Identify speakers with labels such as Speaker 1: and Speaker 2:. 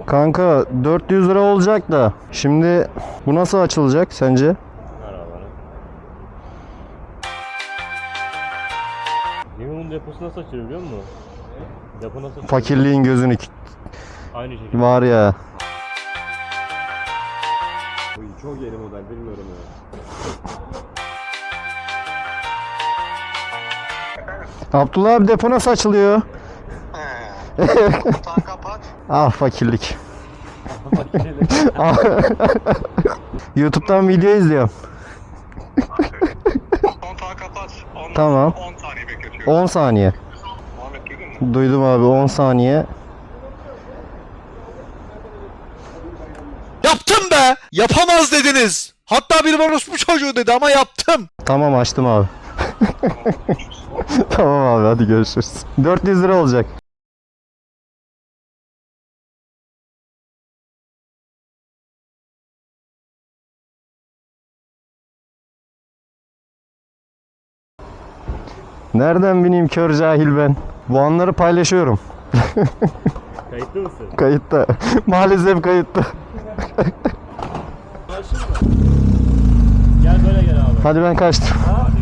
Speaker 1: Kanka 400 lira olacak da. Şimdi bu nasıl açılacak sence?
Speaker 2: Ver abi. Yemin deposu nasıl açılıyor biliyor musun? Depo nasıl açılıyor?
Speaker 1: Fakirliğin gözünü
Speaker 2: Aynı şekilde.
Speaker 1: var ya.
Speaker 2: Çok yeni model bilmiyorum ya.
Speaker 1: Abdullah abi depo nasıl açılıyor?
Speaker 3: Kontağı kapat.
Speaker 1: Ah fakirlik. YouTube'dan video izliyorum.
Speaker 3: Kontağı kapat.
Speaker 1: Tamam.
Speaker 3: 10 saniye bekletiyorum.
Speaker 1: 10 saniye.
Speaker 3: Muhammed duydun mu?
Speaker 1: Duydum abi 10 saniye.
Speaker 4: Yaptım be! Yapamaz dediniz. Hatta bir orospu çocuğu dedi ama yaptım.
Speaker 1: Tamam açtım abi. Tamam abi hadi görüşürüz. 400 lira olacak. Nereden bineyim kör cahil ben? Bu anları paylaşıyorum.
Speaker 2: Kayıtlı mısın?
Speaker 1: Kayıtta. Maalesef kayıtta.
Speaker 2: Gel böyle gel abi.
Speaker 1: Hadi ben kaçtım.
Speaker 2: Hadi